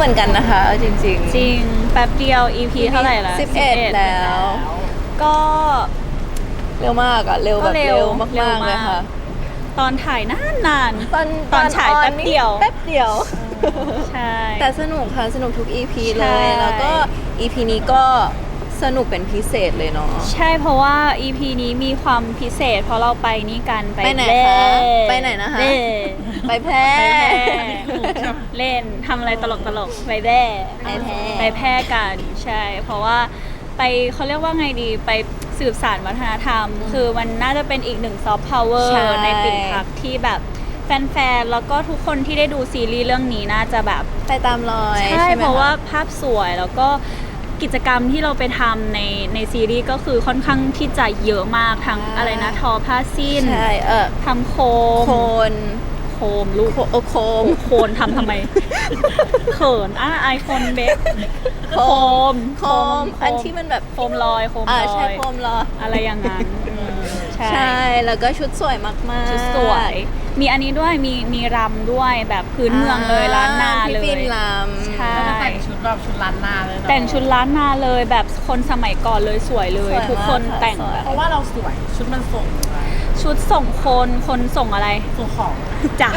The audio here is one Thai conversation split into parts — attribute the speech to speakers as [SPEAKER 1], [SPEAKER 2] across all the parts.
[SPEAKER 1] มือนกันนะคะจริงๆ
[SPEAKER 2] จริงแป๊บเดียว EP เท่าไหร่ละ
[SPEAKER 1] 11แล้ว
[SPEAKER 2] ก็
[SPEAKER 1] เร็วมากอะเร็วแบบเร็วมากๆเลยค่ะ
[SPEAKER 2] ตอนถ่ายนาน
[SPEAKER 1] ตอน
[SPEAKER 2] ฉายแป๊บเดียว
[SPEAKER 1] แป๊บเดียว
[SPEAKER 2] ใช่
[SPEAKER 1] แต่สนุกค่ะสนุกทุก EP
[SPEAKER 2] ใช่
[SPEAKER 1] เลยแล้วก็ EP นี้ก็สนุกเป็นพิเศษเลยเนาะ
[SPEAKER 2] ใช่เพราะว่า EP นี้มีความพิเศษเพราะเราไปนี่กันไป
[SPEAKER 1] ไหน
[SPEAKER 2] เล่
[SPEAKER 1] คะไปไหนนะคะ
[SPEAKER 2] เล่
[SPEAKER 1] ไปแพร่
[SPEAKER 2] เล่นทำอะไรตลกไปแพร่
[SPEAKER 1] ไปแพร่
[SPEAKER 2] กันใช่ เพราะว่าไปเขาเรียกว่าไงดีไปสืบสานวัฒนธรรม คือมันน่าจะเป็นอีกหนึ่งซอฟต์พาวเวอร์
[SPEAKER 1] ใช่
[SPEAKER 2] ในปิ่นพักที่แบบแฟนๆแล้วก็ทุกคนที่ได้ดูซีรีส์เรื่องนี้น่าจะแบบ
[SPEAKER 1] ไปตามรอย
[SPEAKER 2] ใช่
[SPEAKER 1] ไหม
[SPEAKER 2] เพราะว่า
[SPEAKER 1] ค
[SPEAKER 2] ภาพสวยแล้วก็กิจกรรมที่เราไปทำในซีรีส์ก็คือค่อนข้างที่จะเยอะมากทั้งอะไรนะทอผ้าสิ้น
[SPEAKER 1] ใช่
[SPEAKER 2] ทำโค
[SPEAKER 1] โค
[SPEAKER 2] ม
[SPEAKER 1] น
[SPEAKER 2] โคมลูก
[SPEAKER 1] โคม
[SPEAKER 2] โคนทำทำไม เขินไอคนเบคโคม
[SPEAKER 1] โคมอันที่มันแบบ
[SPEAKER 2] โคมลอยโคมลอย
[SPEAKER 1] ใช่โคมลอย
[SPEAKER 2] อะไรอย่างนั้นใช่
[SPEAKER 1] ใช่แล้วก็ชุดสวยมากๆ
[SPEAKER 2] ชุดสวย มีอันนี้ด้วยมีรำด้วยแบบพื้นเมืองเลยล้านนาเลย
[SPEAKER 1] พี่ฟินล
[SPEAKER 2] ใช่
[SPEAKER 3] ก็แต่งชุดแบบชุดล้านนาเลยเนอะ
[SPEAKER 2] แต่งชุดล้านนาเลยแบบคนสมัยก่อนเลยสวยเลย
[SPEAKER 1] สวยมาก
[SPEAKER 2] ทุกคน
[SPEAKER 1] ค่ะ
[SPEAKER 2] แต่ง
[SPEAKER 1] สวย
[SPEAKER 2] แบบ
[SPEAKER 3] เพราะว่าเราสวยชุดมันส่ง
[SPEAKER 2] ชุดส่งคนส่งอะไร
[SPEAKER 3] ส่งของ
[SPEAKER 2] จ้ะ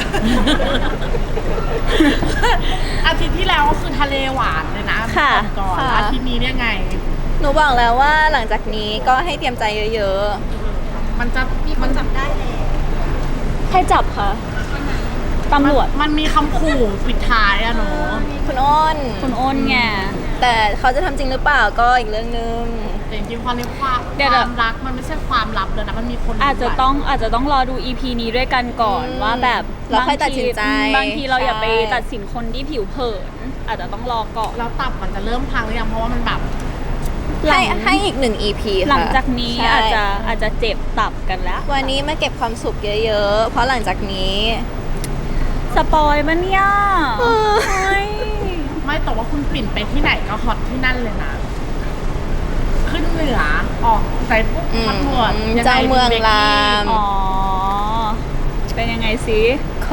[SPEAKER 3] อาทิตย์ที่แล้วก็คือทะเลหวานเลยนะ
[SPEAKER 2] ค่ะ
[SPEAKER 3] ก่อน
[SPEAKER 1] ค่ะ
[SPEAKER 3] อาทิตย์นี้เนี่ยไง
[SPEAKER 1] ำหนูบอกแล้วว่าหลังจากนี้ก็ให้เตรียมใจเยอะ
[SPEAKER 3] มันจะมีคนจับได้เลย
[SPEAKER 2] ใครจับคะตำรวจ
[SPEAKER 3] มันมีคำขู่ปิดท้ายอะเนาะ
[SPEAKER 1] ๆคุณอ้น
[SPEAKER 2] คุณอ้นไง
[SPEAKER 1] แต่เขาจะทำจริงหรือเปล่าก็อีกเรื่องนึง
[SPEAKER 3] แต่จริงๆความในความ
[SPEAKER 2] เดี๋ยว
[SPEAKER 3] ความรักมันไม่ใช่ความลับเลยนะมันมีคน
[SPEAKER 2] อาจจะต้องรอดู EP นี้ด้วยกันก่อน
[SPEAKER 1] อืม
[SPEAKER 2] ว่าแบบ
[SPEAKER 1] แล้วค่อยตัดสินใจ
[SPEAKER 2] บางทีเราอย่าไป
[SPEAKER 1] ใช่
[SPEAKER 2] ตัดสินคนที่ผิวเผินอาจจะต้องรอก่อน
[SPEAKER 3] แล้วตับมันจะเริ่มพังหรือยังเพราะว่ามันแบบ
[SPEAKER 1] ให้อีก1 EP ค่ะ
[SPEAKER 2] หลังจากนี้
[SPEAKER 1] ใช่
[SPEAKER 2] อาจจะเจ็บตับกันแล้ว
[SPEAKER 1] วันนี้มาเก็บความสุขเยอะๆ เพราะหลังจากนี้
[SPEAKER 2] สปอยล์มันเนี่ยเฮ้ย
[SPEAKER 3] ไม่แต่ว่าคุณปิ่นไปที่ไหนก็ฮอตที่นั่นเลยนะ ขึ้นเหนือออกใจปุ๊บ
[SPEAKER 1] อืม
[SPEAKER 3] ตำรวจยังไง
[SPEAKER 1] เจ้าเมือง
[SPEAKER 3] บกกี้
[SPEAKER 1] ราม
[SPEAKER 2] อ๋อ เป็นยังไงสิ
[SPEAKER 1] ก็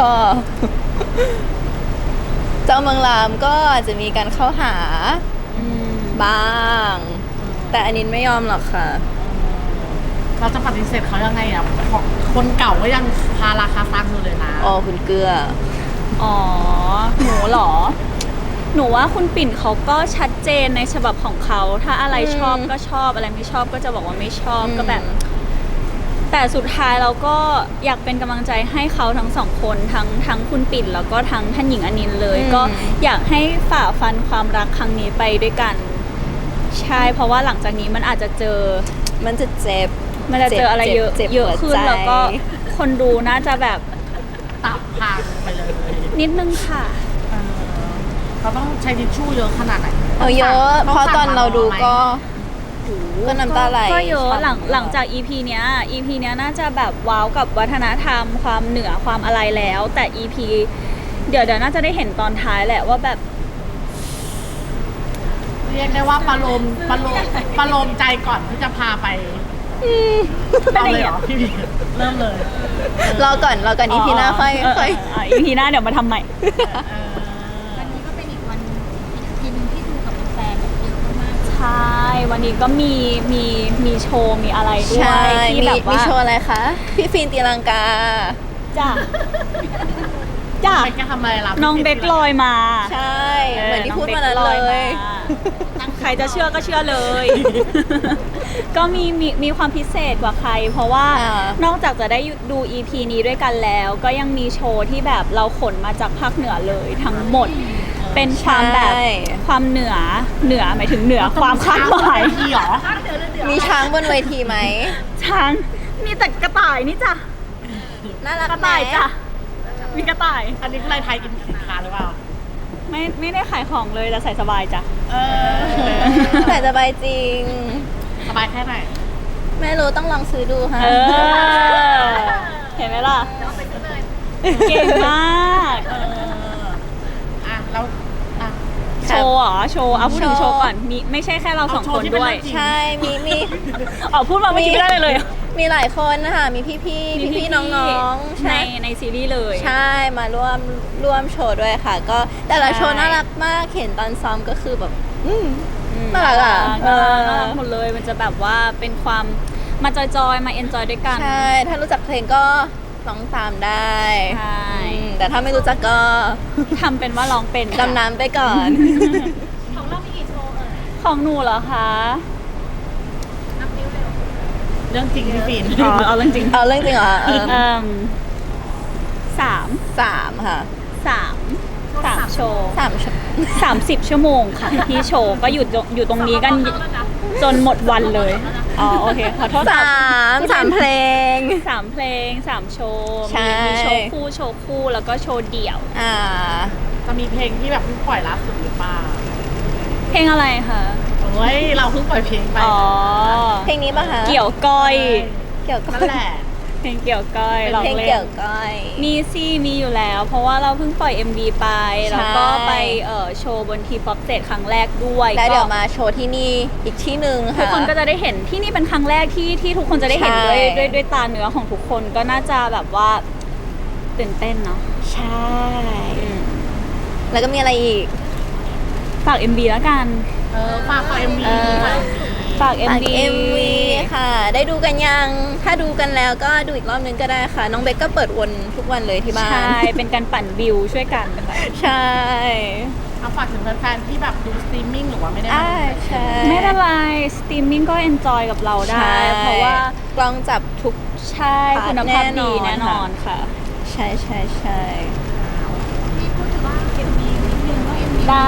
[SPEAKER 1] เจ้าเมืองรามก็อาจจะมีการเข้าหา
[SPEAKER 2] อืม
[SPEAKER 1] บ้าง แต่อันนี้ไม่ยอมหรอกค่ะ
[SPEAKER 3] เราจะปฏิเสธเขายังไงอ่ะของคนเก่าก็ยังพาราคาซังอยู่เลยนะ
[SPEAKER 1] อ๋อคุณเกลือ
[SPEAKER 2] อ๋อ หนูเหรอ หนูว่าคุณปิ่นเขาก็ชัดเจนในฉบับของเขา ถ้าอะไรชอบก็ชอบ อะไรไม่ชอบก็จะบอกว่าไม่ชอบ
[SPEAKER 1] อืม
[SPEAKER 2] ก็แบบ แต่สุดท้ายเราก็อยากเป็นกำลังใจให้เขาทั้งสองคนทั้งคุณปิ่นแล้วก็ทั้งท่านหญิงอนินท์เลย ก็อยากให้ฝ่าฟันความรักครั้งนี้ไปด้วยกัน ใช่ เพราะว่าหลังจากนี้มันอาจจะเจอ
[SPEAKER 1] มันจะเจ็บ
[SPEAKER 2] มันจะเจออะไรเยอะ
[SPEAKER 1] เจ็บ
[SPEAKER 2] เยอะขึ้น
[SPEAKER 1] หัวใจ
[SPEAKER 2] แล้วก็คนดูน่าจะแบบ
[SPEAKER 3] ตับพังไปเลย
[SPEAKER 2] นิดนึงค่ะ
[SPEAKER 3] เออเขาต้องใช้ทิชชู่เยอะขนาดไหน
[SPEAKER 1] เยอะ เพราะตอนเราดูก็
[SPEAKER 3] โอ้โห
[SPEAKER 1] ก็น้ำตาไหล
[SPEAKER 2] ก็เยอะ
[SPEAKER 1] ฉ่ำ
[SPEAKER 2] หลังจาก EP เนี้ย EP เนี้ยน่าจะแบบว้าวกับวัฒนธรรมความเหนือความอะไรแล้ว แต่ EP เดี๋ยวน่าจะได้เห็นตอนท้ายแหละว่าแบบ
[SPEAKER 3] เรียกได้ว่าประโลมใจก่อนที่จะพาไป
[SPEAKER 2] เป็น
[SPEAKER 3] เอา
[SPEAKER 2] อย่าง
[SPEAKER 3] เลย
[SPEAKER 2] เงี้
[SPEAKER 3] เหร
[SPEAKER 2] ย
[SPEAKER 3] อพี่บีเริ่มเลย
[SPEAKER 1] รอก่อนอีพีหน้าค่อย
[SPEAKER 2] EP หน้าเดี๋ยวมาทำใหม่
[SPEAKER 3] เออ
[SPEAKER 4] วันนี้ก็เป็นอีกวันอีกทีนึงที่ดูกับแฟนแบบเยอะมาก
[SPEAKER 2] ใช่ วันนี้ก็มีโชว์มีอะไรด้ว
[SPEAKER 1] ใช่
[SPEAKER 2] ยที่แบบ
[SPEAKER 1] มี
[SPEAKER 2] ว่า
[SPEAKER 1] โชว์อะไรคะ พี่ฟินตีลังกา
[SPEAKER 2] จ้ะจ้ะ
[SPEAKER 3] ไปแกทำอะไรล่ะ
[SPEAKER 2] น้องเบคลอยมา
[SPEAKER 1] ใช่ เหมือนที่พูดมานั้น
[SPEAKER 2] น้อง
[SPEAKER 1] เล
[SPEAKER 2] บค
[SPEAKER 1] ย
[SPEAKER 2] ใครจะเชื่อก็เชื่อเลย ก็มีความพิเศษกว่าใคร เพราะว่า
[SPEAKER 1] อ่าน
[SPEAKER 2] อกจากจะได้ดู EP นี้ด้วยกันแล้ว ก็ยังมีโชว์ที่แบบเราขนมาจากภาคเหนือเลยทั้งหมด เป็นความแบบ
[SPEAKER 1] ใช่
[SPEAKER 2] ความเหนือหมายถึงเหนือความคาดหมาย
[SPEAKER 3] พี่เหรอ
[SPEAKER 1] มีช้างบนเวทีไหม
[SPEAKER 2] ช้างมีแต่กระต่ายนี่จ้ะ
[SPEAKER 1] น่ารัก
[SPEAKER 2] กระต่ายจ้ะมีกระต่าย
[SPEAKER 3] อันนี้คืออะไรไทยอินสินค้าหรือเปล่า
[SPEAKER 2] ไม่ได้ขายของเลยแต่ใส่สบายจ้ะ
[SPEAKER 3] เออ
[SPEAKER 1] แต่สบายจริง
[SPEAKER 3] สบายแค่ไหน
[SPEAKER 1] ไม่รู้ต้องลองซื้อดูค่ะ
[SPEAKER 2] เออ เห็นไหมล่ะเก่งมาก
[SPEAKER 3] เอออ่ะแล้วอ่ะ
[SPEAKER 2] โชว์เหรอโชว์เอาพูดถึงโชว์ก่อนมีไม่ใช่แค่เราสองคนด้วย
[SPEAKER 3] เอาโชว์ที่เป็นเรื่องจริง
[SPEAKER 1] ใช่ มี
[SPEAKER 2] อ๋อพูดมาเมื่อกี้ไม่ได้เลย
[SPEAKER 1] มีหลายคนนะคะมีพี่ๆน้องๆ
[SPEAKER 2] ใน
[SPEAKER 1] ใช่
[SPEAKER 2] ในซีรีส์เลย
[SPEAKER 1] ใช่มาร่วมโชว์ด้วยค่ะ ก็แต่ละโชว์น่ารักมากเห็นตอนซ้อมก็คือแบบน่ารักอ่ะ
[SPEAKER 2] น่ารักหมดเลยมันจะแบบว่าเป็นความมาจอยๆมาเอนจอยด้วยกัน
[SPEAKER 1] ใช่ ถ้ารู้จักเพลงก็ร้องตามได้
[SPEAKER 2] ใช่
[SPEAKER 1] แต่ถ้าไม่รู้จักก็
[SPEAKER 2] ทำเป็นว่าร้องเป็น
[SPEAKER 1] ดำน้ำไปก่อน
[SPEAKER 4] ของเรามีกี่โชว์เอ่ย
[SPEAKER 2] ของหนูเหรอคะ
[SPEAKER 4] นับนิ้วเร็ว
[SPEAKER 3] เรื่องจริงพี่ปิ่น
[SPEAKER 2] เอาเรื่องจริง
[SPEAKER 1] เอาเรื่องจริงเหรอ
[SPEAKER 2] สาม
[SPEAKER 1] สามค่ะ
[SPEAKER 2] สามโชว์
[SPEAKER 1] 30
[SPEAKER 2] ชั่วโมงค่ะที่โชว์ก็อยู่ตรงนี้กันจนหมดวันเลยอ๋อโอเคขอโทษค่ะ
[SPEAKER 1] สามเพลง
[SPEAKER 2] 3 เพลง 3 โชว์
[SPEAKER 1] ใช่
[SPEAKER 2] มีโชว์คู่แล้วก็โชว์เดี่ยว
[SPEAKER 3] จะมีเพลงที่แบบเพิ่งปล่อยล่าสุดหรือเปล่า
[SPEAKER 2] เพลงอะไรคะ
[SPEAKER 3] เฮ้ยเราเพิ่งปล่อยเพลงไป
[SPEAKER 2] อ๋อ
[SPEAKER 1] เพลงนี้ป่ะคะ
[SPEAKER 2] เกี่ยวก้อย
[SPEAKER 1] เกี่ยวกับ
[SPEAKER 3] นั่นแหละ
[SPEAKER 2] เพลงเกี่ยวก้อย
[SPEAKER 1] เป็น
[SPEAKER 2] ลอง
[SPEAKER 1] เพลง
[SPEAKER 2] เล่
[SPEAKER 1] เกี่
[SPEAKER 2] น
[SPEAKER 1] ยวก้อย
[SPEAKER 2] มีซี่มีอยู่แล้ว เพราะว่าเราเพิ่งปล่อย MV ไป
[SPEAKER 1] ใช่
[SPEAKER 2] แล้วก็ไปโชว์บนทีป๊อปสเตจครั้งแรกด้วย
[SPEAKER 1] แล้วเดี๋ยว
[SPEAKER 2] ก็
[SPEAKER 1] มาโชว์ที่นี่อีกที่หนึ่ง
[SPEAKER 2] ทุ
[SPEAKER 1] ค่ะ
[SPEAKER 2] กคนก็จะได้เห็นที่นี่เป็นครั้งแรกที่ทุกคนจะได้เห็น
[SPEAKER 1] ใช่
[SPEAKER 2] ด้วยตาเนื้อของทุกคนก็น่าจะแบบว่าตื่นเต้นเนาะ
[SPEAKER 1] ใช่ แล้วก็มีอะไรอีก
[SPEAKER 2] ฝาก MV แล้วกัน
[SPEAKER 3] ฝากเอ็มวี
[SPEAKER 2] ฝาก
[SPEAKER 1] ฝาก
[SPEAKER 2] MV
[SPEAKER 1] MV ค่ะ ได้ดูกันยัง ถ้าดูกันแล้วก็ดูอีกรอบนึงก็ได้ค่ะ น้องเบคก็เปิดวนทุกวันเลยที่บ้าน
[SPEAKER 2] ใช่ เป็นการปั่นวิวช่วยกันค่ะ
[SPEAKER 1] ใช่
[SPEAKER 3] เอาฝากถึงแฟนๆที่แบบดูสตรีมมิ่งหรือว่าไม่ได้มาดู
[SPEAKER 1] ใช่
[SPEAKER 2] ไม่เป็นไรสตรีมมิ่งก็เอนจอยกับเราได้
[SPEAKER 1] ใช่
[SPEAKER 2] เพราะว่าก
[SPEAKER 1] ล้องจับทุก
[SPEAKER 2] ใช่
[SPEAKER 1] พาร์ท
[SPEAKER 2] คุณภาพดี
[SPEAKER 1] แน่
[SPEAKER 2] แน่
[SPEAKER 1] น
[SPEAKER 2] น
[SPEAKER 1] อ
[SPEAKER 2] อน นค่ะ
[SPEAKER 1] ใช่ใช่ใช่
[SPEAKER 4] พี่พูดถึงว่าเอ็มวีนิดนึงว่าเอ็มวี
[SPEAKER 2] ได้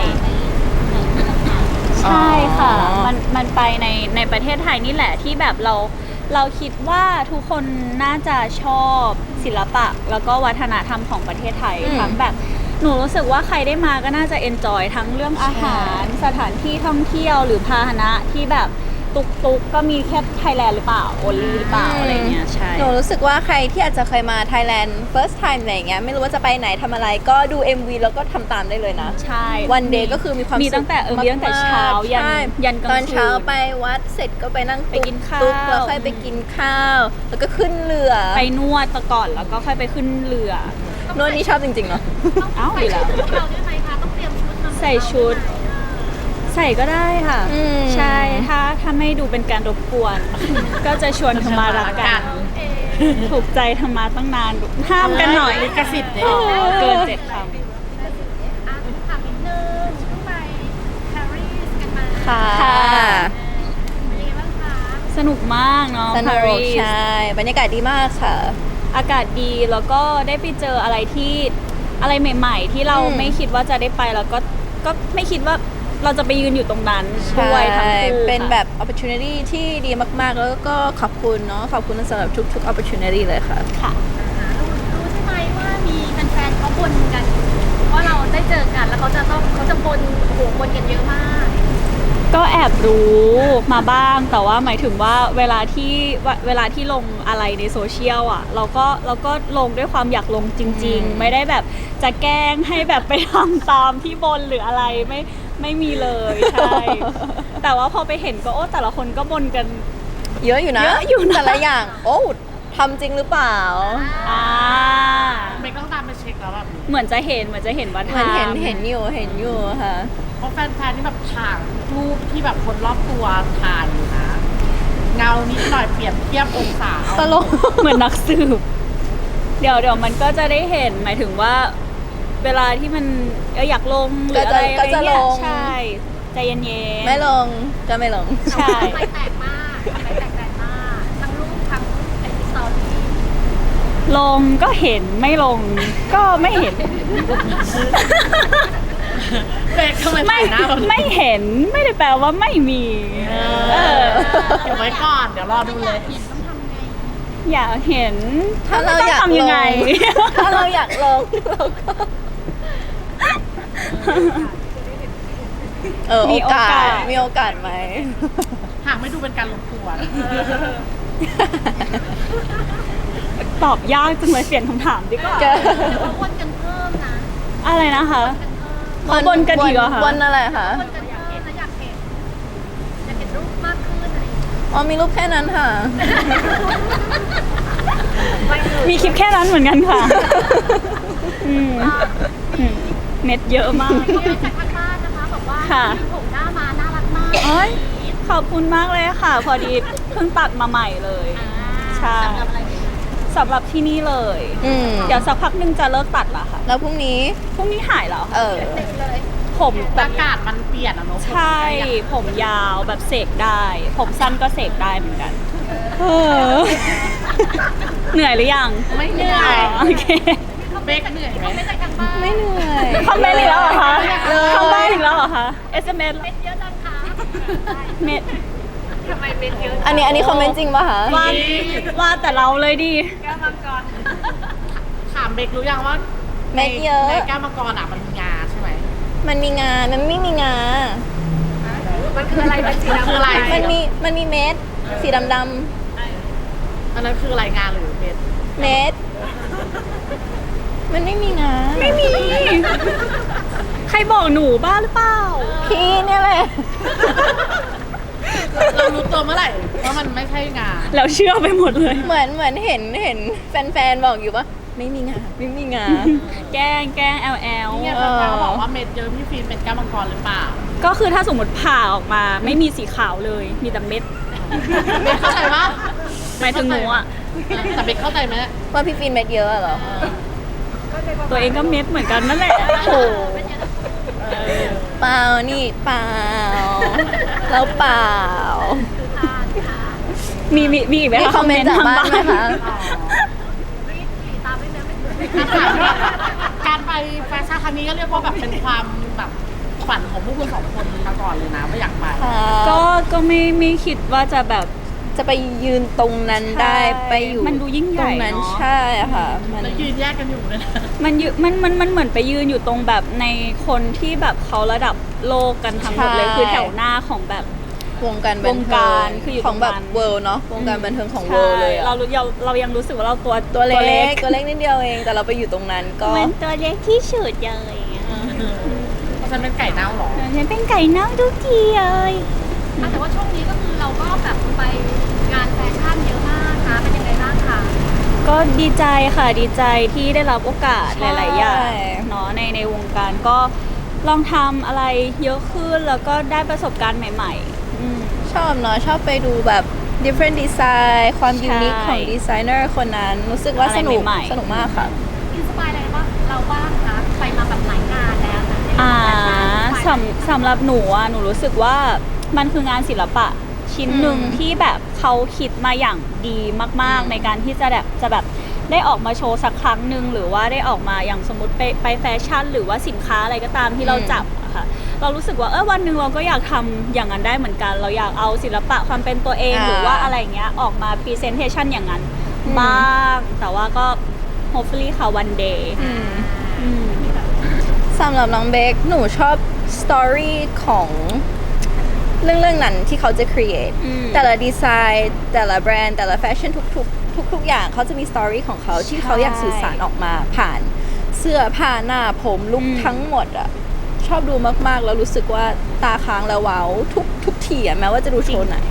[SPEAKER 2] ใช่ค่ะ
[SPEAKER 1] อ๋อ
[SPEAKER 2] มันไปในประเทศไทยนี่แหละที่แบบเราคิดว่าทุกคนน่าจะชอบศิลปะ แล้วก็วัฒนธรรมของประเทศไทยทั้งแบบหนูรู้สึกว่าใครได้มาก็น่าจะเอนจอยทั้งเรื่องอาหารสถานที่ท่องเที่ยวหรือพาหนะที่แบบตุกก็มีแค่ไทยแลนด์หรือเปล่าโอลีหรือเปล่าอะไรเงี้ยใช่
[SPEAKER 1] หนูรู้สึกว่าใครที่อาจจะเคยมา Thailand first time อะไรอย่างเงี้ยไม่รู้ว่าจะไปไหนทำอะไรก็ดู MV แล้วก็ทำตามได้เลยนะ
[SPEAKER 2] ใช่
[SPEAKER 1] วันเดย์ก็คือมีความ
[SPEAKER 2] มี
[SPEAKER 1] สุข
[SPEAKER 2] ตั้งแต่มีตั้งแต่เช้า
[SPEAKER 1] ๆ
[SPEAKER 2] ยัน
[SPEAKER 1] ใช่
[SPEAKER 2] ยันกลางคืน
[SPEAKER 1] ตอนเช้าไปวัดเสร็จก็ไปนั่ง
[SPEAKER 2] ไปกินข้าว
[SPEAKER 1] ตุ๊กแล้วค่อยไปกินข้าว แล้วก็ขึ้นเรือ
[SPEAKER 2] ไปนวดก่อนแล้วก็ค่อยไปขึ้นเรือ
[SPEAKER 1] โน่นนี่ชอบจริงๆเนาะ
[SPEAKER 2] เอ้า
[SPEAKER 4] ใส่
[SPEAKER 2] ดีแล้ว
[SPEAKER 4] ชุดพวกเราด้วยไหมคะต้องเตรียมชุดมา
[SPEAKER 2] ใส่ชุด ใส่ก็ได้ค่ะ
[SPEAKER 1] อืม
[SPEAKER 2] ใช่ถ้าไม่ดูเป็นการรบกวน ก็จะชวนธรรมารักกัน ถูกใจธรรมาตั้งนานห้ามกันหน่อย
[SPEAKER 3] ลิขสิทธิ์เนี่ย
[SPEAKER 2] เกิน7 คำ
[SPEAKER 4] ถามนิดนึงเพิ่งไปปารีสกันมา
[SPEAKER 1] ค่ะ
[SPEAKER 4] เป็นยังไงบ้างคะ
[SPEAKER 2] สนุกมากเนาะ
[SPEAKER 1] สนุ
[SPEAKER 2] ปาก รีส
[SPEAKER 1] ใช่ บรรยากาศดีมากค่ะ
[SPEAKER 2] อากาศดีแล้วก็ได้ไปเจออะไรที่อะไรใหม่ ๆ ที่เรา
[SPEAKER 1] อืม
[SPEAKER 2] ไม่คิดว่าจะได้ไปแล้วก็ไม่คิดว่าเราจะไปยืนอยู่ตรงนั้น
[SPEAKER 1] ใช่
[SPEAKER 2] ด้วยทั้งคู่
[SPEAKER 1] เป็น
[SPEAKER 2] ค่ะ
[SPEAKER 1] แบบ opportunity ที่ดีมากๆ แล้วก็ขอบคุณเนาะ ขอบคุณสำหรับทุกๆ opportunity เลยค่ะ
[SPEAKER 2] ค่ะ
[SPEAKER 4] รู้ใช่ไหมว่ามีแฟนๆเขาบ่นกันว่าเราได้เจอกันแล้วเขาจะบ่นโอ้โหบ่นกันเยอะมาก
[SPEAKER 2] ก็แอบรู้มาบ้างแต่ว่าหมายถึงว่าเวลาที่ลงอะไรในโซเชียลอ่ะเราก็ลงด้วยความอยากลงจริง ๆ ไม่ได้แบบจะแกล้งให้แบบไปทำตามที่บนหรืออะไรไม่มีเลยใช่ แต่ว่าพอไปเห็นก็โอ้แต่ละคนก็บนกัน
[SPEAKER 1] เยอะอยู่นะ
[SPEAKER 2] เยอะอยู่นะ
[SPEAKER 1] แต่ละอย่าง โอ้ทำจริงหรือเปล่า
[SPEAKER 2] อ่า
[SPEAKER 3] เบคต้องตามไปเช็คแล้วแบบ
[SPEAKER 2] เหมือนจะเห็นว่า
[SPEAKER 1] เหมือนเห็น
[SPEAKER 2] ทำ
[SPEAKER 1] เห็นอยู่ค่ะ
[SPEAKER 3] เพราะแฟนๆที่แบบถ่ายรูปที่แบบคนรอบตัวถ่ายอยู่นะ เงานิดหน่อยเปรียบเทียบองศา
[SPEAKER 1] ตลก
[SPEAKER 2] เหมือนนักสืบ เดี๋ยวมันก็จะได้เห็นหมายถึงว่า เวลาที่มันอยากลงหรืออะไร
[SPEAKER 1] ก็จะ
[SPEAKER 2] อะไรเงี้ย
[SPEAKER 1] ลง
[SPEAKER 2] ใช่ใจเย็นๆ
[SPEAKER 1] ไม่ลงก็ไม่ลง
[SPEAKER 2] ใช่
[SPEAKER 4] ไปแตกมากไปแตกมากทั้งรูปทั้งไอจีสตอรี่
[SPEAKER 2] ลงก็เห็นไม่ลงก็ไม่เห็น
[SPEAKER 3] เบคทำไม
[SPEAKER 2] ไม่
[SPEAKER 3] ถ่ายหน้าแบบนี้
[SPEAKER 2] ไม่เห็นไม่ได้แปลว่าไม่มี
[SPEAKER 3] เออเดี๋ยวไว้ก่อนเดี๋ยวรอดูเลย
[SPEAKER 4] เห็นต้องทำไง
[SPEAKER 2] อยากเห็น
[SPEAKER 1] ถ้าเรา
[SPEAKER 2] ต้อง
[SPEAKER 1] อยาก
[SPEAKER 2] ทำยังไง
[SPEAKER 1] ลง ถ้าเราอยากลงเราก็
[SPEAKER 2] มี
[SPEAKER 1] โอกา
[SPEAKER 2] โอกา
[SPEAKER 1] ส
[SPEAKER 2] ส
[SPEAKER 1] มีโอกาสไหม
[SPEAKER 3] หากไม่ดูเป็นการรบกวน
[SPEAKER 2] ตอบยากจังเลยเปลี่ยนคำถามดีกว่า
[SPEAKER 1] เจอ
[SPEAKER 4] หรือว่าวนกันเพิ่มนะ
[SPEAKER 2] อะไรนะคะ
[SPEAKER 4] กันเพิ่ม
[SPEAKER 2] เขาบนกันอีกเหรอคะ
[SPEAKER 1] บนอะไรคะ
[SPEAKER 4] วนกันเพิ่มแล้วอยากเห็นรูปมากขึ้นอะไรอย่างเงี้ย
[SPEAKER 1] อ๋อมีรูปแค่นั้นค่ะ
[SPEAKER 2] มีคลิปแค่นั้นเหมือนกันค่ะอืมอืมเม็ดเยอะมาก
[SPEAKER 4] มีอะไรจากทางบ้านนะคะบอกว่า
[SPEAKER 2] ค่ะ
[SPEAKER 4] ผมหน้ามาน่ารักมาก
[SPEAKER 2] โอ้ยขอบคุณมากเลยค่ะ พอดีเพิ่งตัดมาใหม่เลย ใช่
[SPEAKER 4] สำหรับอะไรดีคะ
[SPEAKER 2] สำหรับที่นี่เลย เดี๋ยวสักพักหนึงจะเลิกตัดละค่ะ
[SPEAKER 1] แล้วพรุ่งนี้
[SPEAKER 2] พรุ่งนี้หายแล้ว
[SPEAKER 1] เอ
[SPEAKER 2] ค่ะ
[SPEAKER 1] อ
[SPEAKER 4] เด็กเลย
[SPEAKER 2] ผมแบ
[SPEAKER 3] อา
[SPEAKER 2] บ
[SPEAKER 3] กาศมันเปลี่ยนอะเนาะ
[SPEAKER 2] ใช่ ผมยาวแบบเสกได้ ผมสั้นก็เสกได้เหมือนกันเหนื่อยหรือยัง
[SPEAKER 3] ไม่เหนื่อ
[SPEAKER 2] อ๋อย โอเค
[SPEAKER 3] เบคเหนื่อยไหม
[SPEAKER 4] ไม่จากทางบ้าน
[SPEAKER 1] ไม่เหนื่อย
[SPEAKER 2] คอมเมนต์อีกแล้วเหรอคะ
[SPEAKER 1] เลย
[SPEAKER 2] คอมเมนต์อีกแล้วเหรอคะ SMS
[SPEAKER 4] เม็ดเยอะจังคะ
[SPEAKER 2] เม็ด
[SPEAKER 4] ทำไมเม็ดเยอะ
[SPEAKER 1] อันนี้คอมเมนต์จริงป่ะคะ
[SPEAKER 2] ว่าแต่เราเลยดิ
[SPEAKER 4] แก้วมังกร
[SPEAKER 3] ถามเบครู้ยังว่า
[SPEAKER 1] เม็ดเยอะ
[SPEAKER 3] ในแก้วมังกรอะมันมีงาใช่ไหม
[SPEAKER 1] มันมีงา มันไม่มีงา
[SPEAKER 4] มันคืออะไรมันสีดำ
[SPEAKER 3] คืออะไร
[SPEAKER 1] มันมีเม็ด สีดำ
[SPEAKER 3] อันนั้นคืออะไรงาหรือเบค
[SPEAKER 1] ๆเม็ด มันไม่มีงา
[SPEAKER 2] ไม่มี ใครบอกหนูบ้าหรือเปล่า
[SPEAKER 1] พี่เนี่ยแหละ
[SPEAKER 3] เรารู้ตัวเมื่อไหร่ว่ามันไม่ใช่งา
[SPEAKER 2] แล้วเชื่อไปหมดเลย
[SPEAKER 1] เหมือนเห็นแฟนๆบอกอยู่ว่าไม่มีงา ไม่มีงา
[SPEAKER 2] แกล้ง LL
[SPEAKER 3] เนี่ยแฟนๆเขาบอกว่าเม็ดเยอะพี่ฟิล์มเป็นแก้วมังกรหรือเปล่า
[SPEAKER 2] ก็คือถ้าสมมติผ่าออกมาไม่มีสีขาวเลย มีแต่เม็ด
[SPEAKER 3] เบคเข้าใจปะ
[SPEAKER 2] หมายถึงหนูอ่ะ
[SPEAKER 3] แต่เบคเข้าใจไหม
[SPEAKER 1] ว่าพี่ฟินเม็ดเยอะเหรอ
[SPEAKER 2] ตัวเองก็เม็ดเหมือนกันนั่นแหละ
[SPEAKER 1] โอ้เปล่านี่เปล่า แล้วเปล่า
[SPEAKER 2] มีอีกไหม
[SPEAKER 1] มี
[SPEAKER 2] คะ
[SPEAKER 1] คอมเมนต์จากบ้านไหมคะ
[SPEAKER 4] ตามไม่เนื้อไม่
[SPEAKER 3] การไปแฟชั่นครั้งนี้ก็เรียกว่าแบบเป็นความแบบฝันของพวกคุณสองคนมาก่อนเลยนะว่าอยากไป
[SPEAKER 2] ก็ไม่คิดว่าจะแบบ
[SPEAKER 1] จะไปยืนตรงนั้นได้
[SPEAKER 2] ใช่
[SPEAKER 1] ไปอยู่
[SPEAKER 2] มันดูยิ่งใหญ่
[SPEAKER 1] ตรงนั้น
[SPEAKER 2] เนอะ
[SPEAKER 1] ใช่ค่ะ มัน
[SPEAKER 3] แล้วยืนแยกกันอยู่เลยนะ
[SPEAKER 2] มันเหมือนไปยืนอยู่ตรงแบบในคนที่แบบเขาระดับโลกกันทั้งหมดเลย
[SPEAKER 1] ใช่
[SPEAKER 2] คือแถวหน้าของแบบ
[SPEAKER 1] วงการบัน
[SPEAKER 2] วง
[SPEAKER 1] เทิ
[SPEAKER 2] การ
[SPEAKER 1] ง
[SPEAKER 2] คืออยู่
[SPEAKER 1] ของแบบ
[SPEAKER 2] ตรงนั้น
[SPEAKER 1] เวิลด์เนาะวงการบันเทิงของ
[SPEAKER 2] ใช่
[SPEAKER 1] เวิลด์เลยอะ
[SPEAKER 2] เรายังรู้สึกว่าเราตัว
[SPEAKER 1] ตัวเล็กนิดเดียวเอง แต่เราไปอยู่ตรงนั้นก็
[SPEAKER 2] มันตัวเล็กที่สุดเลย
[SPEAKER 3] เพราะฉันเป็นไก่เน่าหรอ
[SPEAKER 2] ฉันเป็นไก่น้องทุกทีเลย
[SPEAKER 4] แต่ว่าช่วงนี้ก็คือเราก็แบบไปงานแฟชั่นเยอะมากนะเป็นยังไงบ้างคะ
[SPEAKER 2] ก็ดีใจค่ะดีใจที่ได้รับโอกาส
[SPEAKER 1] ใช่
[SPEAKER 2] หลาย ๆ อย่างเนาะในวงการก็ลองทำอะไรเยอะขึ้นแล้วก็ได้ประสบการณ์ใหม่ๆ
[SPEAKER 1] ชอบเนาะชอบไปดูแบบ different design ความ
[SPEAKER 2] ใช่
[SPEAKER 1] ยูนิคของดีไซเนอร์คนนั้น รู้สึกว่า
[SPEAKER 2] อะไร
[SPEAKER 1] สนุก
[SPEAKER 2] ใหม่ๆ
[SPEAKER 1] สนุกมากค่ะ
[SPEAKER 4] อินสปายอะไรบ้างเราบ้างคะไปมาแบบหลายงานแล้วนะ
[SPEAKER 2] สำหรับหนูอะหนูรู้สึกว่ามันคืองานศิลปะชิ้นหนึ่ง
[SPEAKER 1] อืม
[SPEAKER 2] ที่แบบเขาคิดมาอย่างดีมาก ๆ ในการที่จะแบบได้ออกมาโชว์สักครั้งหนึ่งหรือว่าได้ออกมาอย่างสมมติไปแฟชั่น หรือว่าสินค้าอะไรก็ตามที่เราจับอะค่ะเรารู้สึกว่าวันหนึ่งเราก็อยากทำอย่างนั้นได้เหมือนกัน เราอยากเอาศิลปะความเป็นตัวเองหรือว่าอะไรเงี้ยออกมา presentation อย่างนั้นบ้างแต่ว่าก็ hopefully ค่ะ one day อืม
[SPEAKER 1] สำหรับน้องเบคหนูชอบสตอรี่ของเรื่องนั้นที่เขาจะ create
[SPEAKER 2] อืม
[SPEAKER 1] แต่ละดีไซน์แต่ละแบรนด์แต่ละแฟชั่นทุกอย่างเขาจะมีสตอรี่ของเขาที่เขาอยากสื่อสารออกมาผ่านเสื้อผ้าหน้าผมลุคทั้งหมดอ่ะชอบดูมากๆ แล้วรู้สึกว่าตาค้างแล้วว้าวทุกทีอะแม้ว่าจะดูโชว์ไหน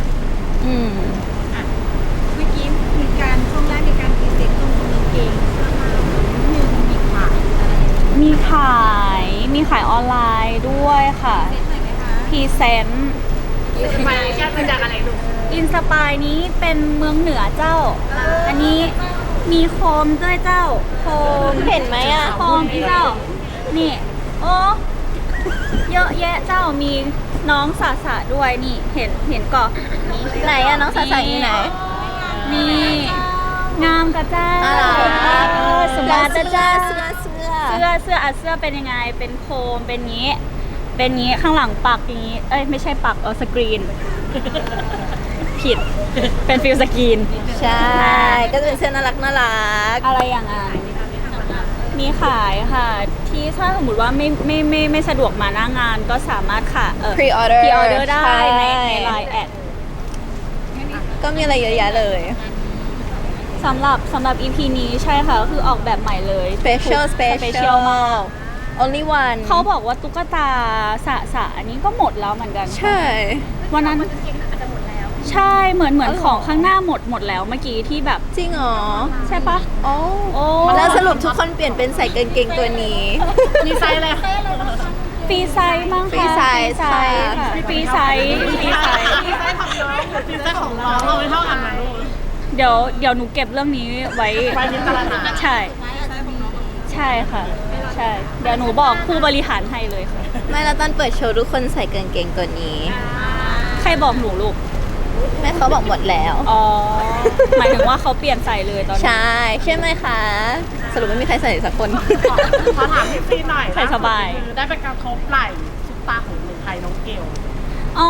[SPEAKER 4] เมื่อกี้มีการช่วงแรกมีการพรีเซนต์ตรงกางเกงเสื้อผ้าหนึ่งมีขายอะไรอย่างเงี้ย
[SPEAKER 2] มีขายออนไลน์ด้วยค่ะ
[SPEAKER 4] เซ็ตหน่อยไหมคะ
[SPEAKER 2] พรีเซนต์
[SPEAKER 4] ไปมาจากอะไรลูก
[SPEAKER 2] อินสปายนี้เป็นเมืองเหนือเจ้า อันนี้มีโคมด้วยเจ้า โคม
[SPEAKER 1] เห็นไหมอะ
[SPEAKER 2] โคมพี่เจ้า นี่ โอ้เยอะแยะเจ้ามีน้องสาสะด้วยนี่เห็นก่อน
[SPEAKER 1] ไหนอะน้องสาวอยู่ไหน
[SPEAKER 2] นี่งามกะเจ้า ส
[SPEAKER 1] แล้
[SPEAKER 2] มาว ร์ท
[SPEAKER 1] เสื้อ
[SPEAKER 2] เจ้า
[SPEAKER 1] เสื้อ
[SPEAKER 2] เสื้อเป็นยังไง เป็นโคม เป็นงี้ เป็นงี้ข้างหลังปักอย่างงี้ เอ้ยไม่ใช่ปักสกรีน ผิด เป็นฟิลสกรีน
[SPEAKER 1] ใช่ ก็จะเป็นเสื้อน่ารัก
[SPEAKER 2] อะไรอย่างนั้นมีขายค่ะ ที่ถ้าสมมติว่าไม่สะดวกมาหน้างานก็สามารถค่ะ
[SPEAKER 1] pre-order
[SPEAKER 2] พรีออเดอร์ได้
[SPEAKER 1] ใช่
[SPEAKER 2] ในไลน์แอด
[SPEAKER 1] ก็มีอะไรเยอะแยะเลย
[SPEAKER 2] สำหรับ EP นี้ใช่ค่ะก็คือออกแบบใหม่เลย
[SPEAKER 1] special
[SPEAKER 2] มาก
[SPEAKER 1] only one
[SPEAKER 2] เขาบอกว่าตุ๊กตาสะอันนี้ก็หมดแล้วเหมือนกัน
[SPEAKER 1] ใช่
[SPEAKER 2] วันนั้น
[SPEAKER 4] กางเกงอาจจะหมดแล้ว
[SPEAKER 2] ใช่เหมือนของข้างหน้าหมดแล้วเมื่อกี้ที่แบบ
[SPEAKER 1] จริงเหรอ
[SPEAKER 2] ใช่ปะ
[SPEAKER 1] โอ้
[SPEAKER 2] โอ้
[SPEAKER 1] แล้วสรุปทุกคนเปลี่ยนเป็นใส่กางเกงตัวนี้
[SPEAKER 3] มีไซส์อะไร
[SPEAKER 2] ฟรีไซส์มั้งคะ
[SPEAKER 1] ฟรีไซส์ค่ะ
[SPEAKER 2] ค่ะฟรีไซส์ฟรีไซส์
[SPEAKER 3] มีไซส์ของน้องมีไซส์ของน้องเราไม่เท่ากันไหมลูก
[SPEAKER 2] เดี๋ยวหนูเก็บเรื่องนี้ไว้
[SPEAKER 3] ไว้พิจารณา
[SPEAKER 2] ใช่ ใช่ค่ะ ใช่ เดี๋ยวหนูบอกผู้บริหารให้เลยค่ะ
[SPEAKER 1] ไม่แล้วตอนเปิดโชว์ทุกคนใส่กางเกงตัวนี้
[SPEAKER 2] ใครบอกหนูลูก
[SPEAKER 1] แม่เขาบอกหมดแล้ว
[SPEAKER 2] อ๋อ หมายถึงว่าเขาเปลี่ยนใส่เลยตอนนี้
[SPEAKER 1] ใช่ใช่ไหมคะ สรุปไม่มีใครใส่สักคน
[SPEAKER 3] ขอถามพี่ซีหน่อย
[SPEAKER 2] ใส่สบาย
[SPEAKER 3] คือได้ไปกระทบไหล่ซุปตาของเมืองไทยน้องเกล
[SPEAKER 2] อ๋อ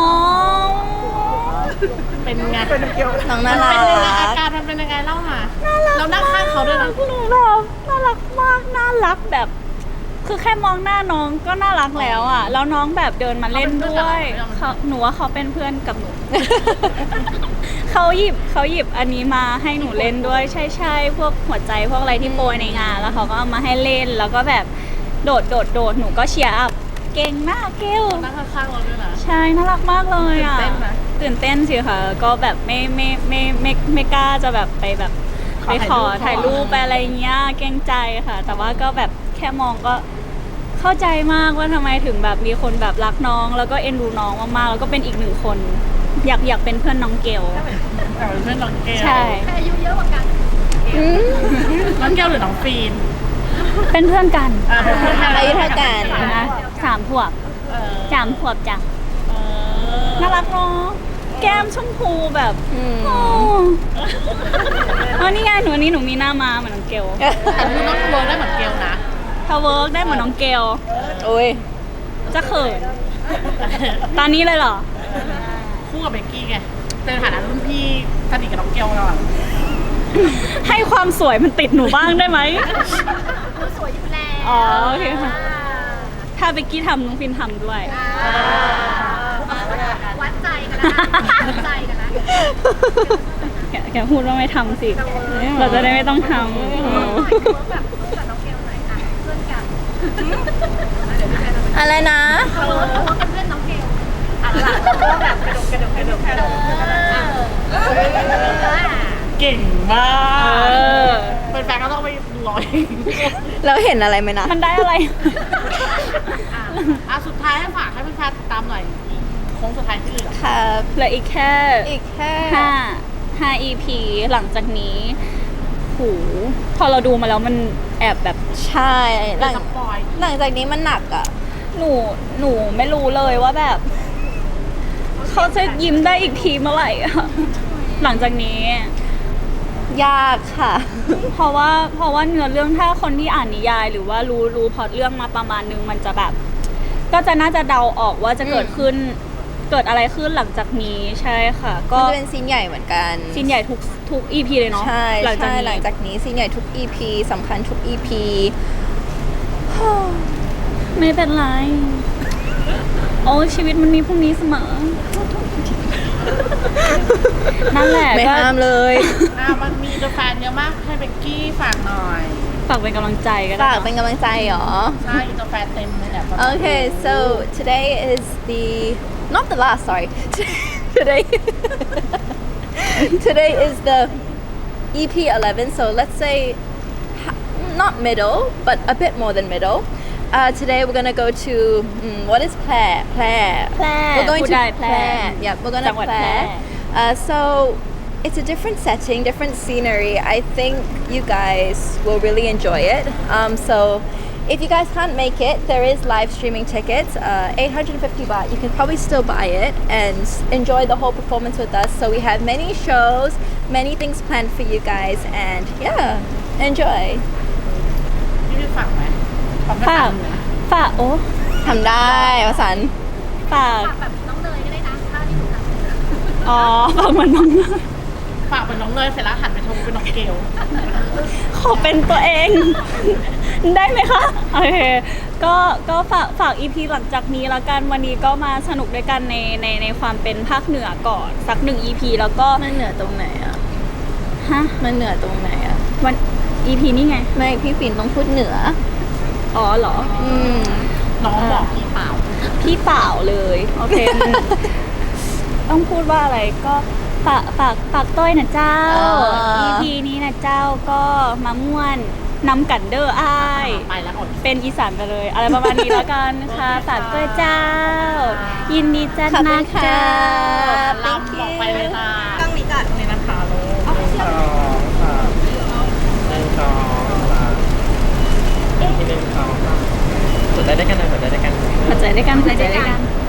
[SPEAKER 3] เป็นไงเป็นเกล
[SPEAKER 1] น้องน่ารัก
[SPEAKER 3] เป็นยังไงอาการมันเป็นยังไงเล่ามาเรานั่งข้างเขาด้วยนะ
[SPEAKER 2] หนูแบบน่ารักมาก น่ารักแบบ คือแค่มองหน้าน้องก็น่ารักแล้วอ่ะ แล้วน้องแบบเดินมาเล่นด้วยหนูว่าเขาเป็นเพื่อนกับหนู เขาหยิบอันนี้มาให้หนูเล่นด้วยใช่พวกหัวใจพวกอะไรที่โปรยในงาน แล้วเขาก็เอามาให้เล่น แล้วก็แบบโดดหนูก็เชียร์อัพเก่งมากเกล
[SPEAKER 3] นั่งข้างๆเราด้วยนะ
[SPEAKER 2] ใช่น่ารักมากเลยอ่ะ
[SPEAKER 3] ตื่นเต้นไหม
[SPEAKER 2] ตื่นเต้นสิค่ะก็แบบไม่กล้าจะแบบไปแบบไปขอถ่ายรูปไปอะไรเงี้ยเกรงใจค่ะ แต่ว่าก็แบบแค่มองก็เข้าใจมากว่าทำไมถึงแบบมีคนแบบรักน้อง แล้วก็เอ็นดูน้องมากๆแล้วก็เป็นอีกหนึ่งคน อยากเป็นเพื่อนน้องเกล
[SPEAKER 3] แต่เป็นเพื่อนน้องเกล
[SPEAKER 2] ใช่
[SPEAKER 4] ใครอายุเยอะกว่ากัน
[SPEAKER 3] น้องเกลหรือน้องฟีน
[SPEAKER 2] เป็นเพื่อนกัน
[SPEAKER 3] เป็นเพื่อนกัน
[SPEAKER 1] อายุเท่ากัน
[SPEAKER 2] นะ3 ขวบ
[SPEAKER 3] เออ
[SPEAKER 2] 3 ขวบจ้ะ
[SPEAKER 3] เออ
[SPEAKER 2] น่ารักเนาะแก้มชมพูแบบ
[SPEAKER 1] อืม
[SPEAKER 2] โอ้อ๋อนี่ไงหนูนี่หนูมีหน้ามาเหมือนน้องเกล
[SPEAKER 3] แต่คือน้องเวิร์กได้เหมือนเกลนะ
[SPEAKER 2] ถ้าเวิร์กได้เหมือนน้องเกล
[SPEAKER 1] โอ้ย
[SPEAKER 2] จะเขิน ตอนนี้เลยเหรอ
[SPEAKER 3] คู่กับเบกกี้ไงเป็นฐานะรุ่นพี่สนิทกับน้องเกลก่อน
[SPEAKER 2] ให้ความสวยมันติดหนูบ้างได้ไหม
[SPEAKER 4] รู้สวยอยู่แล้ว
[SPEAKER 2] อ๋อโอเคค่ะ ถ้าเบกกี้ทำน้องฟินทำด้วย
[SPEAKER 4] วัดใจกันแล้ววัดใจกันแล้ว
[SPEAKER 2] แกพูดว่าไม่ทำสิ เราจะได้ไม่ต้องทำ
[SPEAKER 4] แบบสู้กับน้องเกลหน่อยค่ะเพื่อนกัน
[SPEAKER 1] อะไรนะ
[SPEAKER 4] เขาเป็นเพื่อนน้องเกลอ่ะหลังเขาแบบกระดก
[SPEAKER 3] เก่งมา
[SPEAKER 2] เอก อ
[SPEAKER 3] เป็นแฟนก็ต้องไปดูเอาเอง
[SPEAKER 1] เราเห็นอะไรไหมนะ
[SPEAKER 2] มันได้อะไร
[SPEAKER 3] สุดท้ายให้ฝากให้แฟนๆติดตามหน่อยอีกโค้งสุดท้ายที่เหลือ
[SPEAKER 1] ครับ
[SPEAKER 2] เหลืออีกแค่
[SPEAKER 1] อีกแค่
[SPEAKER 2] 5 EP หลังจากนี้หูพอเราดูมาแล้วมันแอบแบบ
[SPEAKER 1] ใช่หลัง
[SPEAKER 3] สปอย
[SPEAKER 1] หลังจากนี้มันหนักอ่ะ
[SPEAKER 2] หนูไม่รู้เลยว่าแบบ เขาจะยิ้มได้อีกทีเมื่อไหร่อะหลังจากนี้
[SPEAKER 1] ยากค่ะ
[SPEAKER 2] เพราะว่าเนื้อเรื่องถ้าคนที่อ่านนิยาย หรือว่ารู้พล็อตเรื่องมาประมาณนึงมันจะแบบ ก็จะน่าจะเดาออกว่าจะเกิดอะไรขึ้นหลังจากนี้ใช่ค่ะ ก็
[SPEAKER 1] มันจะเป็นซีนใหญ่เหมือนกัน
[SPEAKER 2] ซีนใหญ่ทุก EP เลยเนาะ
[SPEAKER 1] ใช่
[SPEAKER 2] หลังจาก
[SPEAKER 1] ใช่
[SPEAKER 2] นี้
[SPEAKER 1] หลังจากนี้ซีนใหญ่ทุก EP สำคัญทุก EP
[SPEAKER 2] ไม่เป็นไร โอ้ชีวิตมันมีพรุ่งนี้เสมอ นั่นแหละ
[SPEAKER 1] ไม่
[SPEAKER 2] ก็
[SPEAKER 1] ห้ามเลย
[SPEAKER 3] มันมีแฟนเยอะมากให้เบกกี้ฝากหน่อย
[SPEAKER 2] ฝากเป็นกำลังใจก็ได้
[SPEAKER 1] ฝากเป็นกำลังใจเหรอ
[SPEAKER 3] ใช่แฟนเต็มเลยเนี่ย
[SPEAKER 1] Okay, so today is not the last, sorry. today today is the EP 11, so let's say not middle, but a bit more than middle. Today we're gonna go to what is Plair? Plair. We're going to
[SPEAKER 2] Pudai, Plair.
[SPEAKER 1] Yeah, we're gonna
[SPEAKER 2] Jangwat
[SPEAKER 1] Plair. So it's a different setting, different scenery. I think you guys will really enjoy it. So if you guys can't make it, there is live streaming tickets, 850 baht. You can probably still buy it and enjoy the whole performance with us. So we have many shows, many things planned for you guys, and yeah, enjoy.
[SPEAKER 3] พี่ฝากไหม
[SPEAKER 2] ฝากโอ้
[SPEAKER 1] ทำได้วสันต์
[SPEAKER 2] ฝาก
[SPEAKER 4] แบบน้องเนยก็ได้นะถ้าที่หนูทำ
[SPEAKER 2] อ๋อฝากเหมือนน้อง
[SPEAKER 3] ฝากเป็นน้องเนยเสร็จแล้วหันไปชมเป็นน้องเกล
[SPEAKER 2] ขอเป็นตัวเอง ได้ไหมคะโอเคก็ฝาก EP หลังจากนี้แล้วกันวันนี้ก็มาสนุกด้วยกันในความเป็นภาคเหนือก่อนสัก1 EP แล้วก็
[SPEAKER 1] มันเหนือตรงไหนอ่ะ
[SPEAKER 2] ฮะ
[SPEAKER 1] มันเหนือตรงไหนอ่ะ
[SPEAKER 2] วัน EP นี่ไง
[SPEAKER 1] ไม่พี่ฟินต้องพูดเหนือ
[SPEAKER 2] อ๋อเหรอ
[SPEAKER 3] น้องบอกพี่เปล่า
[SPEAKER 2] พี่เปล่าเลย โอเค ต้องพูดว่าอะไรก็ฝากต้อยนะเจ้า
[SPEAKER 1] อ่า
[SPEAKER 2] EP นี้นะเจ้าก็มาม่วนนำกันเดอร์อ้าย
[SPEAKER 3] ไปแล้วอด
[SPEAKER 2] เป็นอีสานไปเลย อะไรประมาณนี้แล้วกันค่ะ ฝากด้วยเจ้า ยินดีจัด
[SPEAKER 1] ขอบคุ
[SPEAKER 2] นะ
[SPEAKER 1] ณค่ะ
[SPEAKER 2] เจ้า
[SPEAKER 3] ลำบอกไปเลยนะ
[SPEAKER 4] ต้องมีก่อน
[SPEAKER 3] นี่นะคะลูก
[SPEAKER 5] 1 2 3 1 2 3ที1 2 3หัวใจด้วยกันหน่อยหัวใจด้วยกัน
[SPEAKER 2] หัวใจด้วยกัน